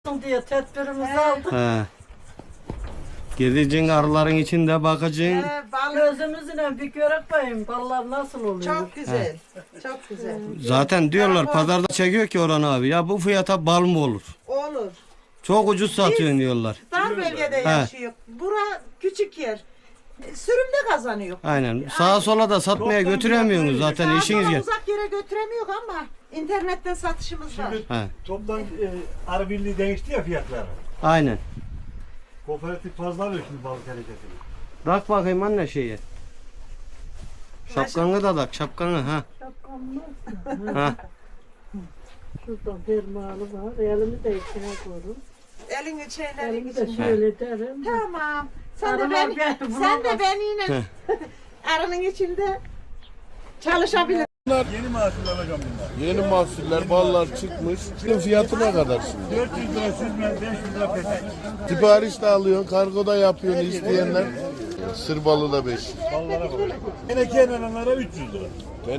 diye tedbirimizi aldık. He. Gideceksin arıların içinde bakacaksın. Gözümüzle bir görek bakayım ballar nasıl oluyor. Çok güzel. Çok güzel. Zaten diyorlar pazarda çekiyor ki Orhan abi ya bu fiyata bal mı olur? Olur. Çok ucuz satıyorsun diyorlar. Dar bölgede yaşıyor. Bura küçük yer. Sürümde kazanıyor. Aynen. Sağa sola da satmaya götüremiyorsunuz zaten Daha işiniz sonra gel. uzak yere götüremiyor ama internetten satışımız var. Şimdi He. toptan arı birliği değişti ya fiyatları. Aynen. Kooperatif fazla alıyor şimdi balık hareketini. Tak bakayım anne şeye. Şapkanı da tak şapkanı ha. Şapkamız. Ha. Şurada fermuarı var. Elimi de içine koyurum. Elini şeyleri Elimi de için. şöyle derim. Tamam. Sen de Arılar ben, beni sen de bulamaz. ben yine arının içinde çalışabilirim. Yeni mahsul alacağım bunlar. Yeni mahsuller, ballar çıkmış. Bunun fiyatı ne kadar şimdi? 400 lira süzme, 500 lira petek. Sipariş de alıyorsun, kargo da yapıyorsun isteyenler. Sır balı da 5. Ballara bak. Yine kenarlara 300 lira.